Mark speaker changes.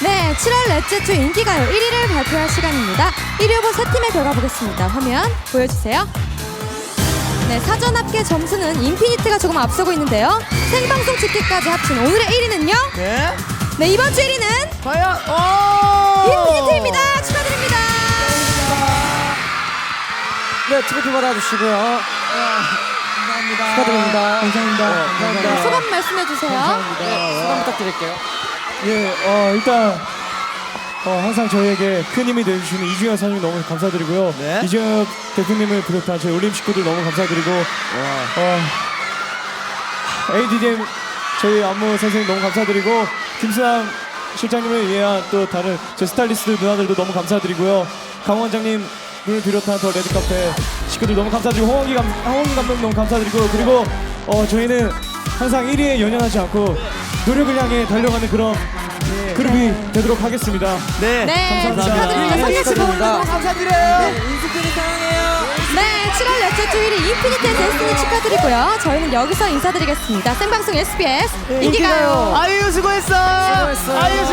Speaker 1: 네, 7월 넷째 주 인기가요 1위를 발표할 시간입니다. 1위 후보 세 팀의 결과 보겠습니다. 화면 보여주세요. 네, 사전 합계 점수는 인피니트가 조금 앞서고 있는데요. 생방송 집계까지 합친 오늘의 1위는요?
Speaker 2: 네.
Speaker 1: 네, 이번 주 1위는
Speaker 2: 과연 오!
Speaker 1: 인피니트입니다. 축하드립니다.
Speaker 2: 네, 트로피 받아주시고요. 감사합니다. 축하드립니다. 감사합니다. 감사합니다.
Speaker 1: 소감 말씀해주세요.
Speaker 2: 네, 소감 부탁드릴게요.
Speaker 3: 예, 일단 항상 저희에게 큰 힘이 되어주시는 이중혁 선생님 너무 감사드리고요.
Speaker 2: 네.
Speaker 3: 이중혁 대표님을 비롯한 저희 올림 식구들 너무 감사드리고 ADDM 저희 안무 선생님 너무 감사드리고 김수남 실장님을 위한 또 다른 제 스타일리스트 누나들도 너무 감사드리고요. 강 원장님을 비롯한 더 레드카페 식구들 너무 감사드리고 홍원기 감독 너무 감사드리고 그리고 저희는 항상 1위에 연연하지 않고 노력을 향해 달려가는 그런 그룹이 되도록 하겠습니다.
Speaker 2: 네.
Speaker 1: 네,
Speaker 2: 감사합니다.
Speaker 1: 축하드립니다.
Speaker 2: 축하드립니다. 감사드려요. 인스피드 사랑해요.
Speaker 1: 네, 7월 넷째 주 1위 인피니트의 데스티니 축하드리고요. 저희는 여기서 인사드리겠습니다. 생방송 SBS 인기가요.
Speaker 2: 아유 수고했어. 아유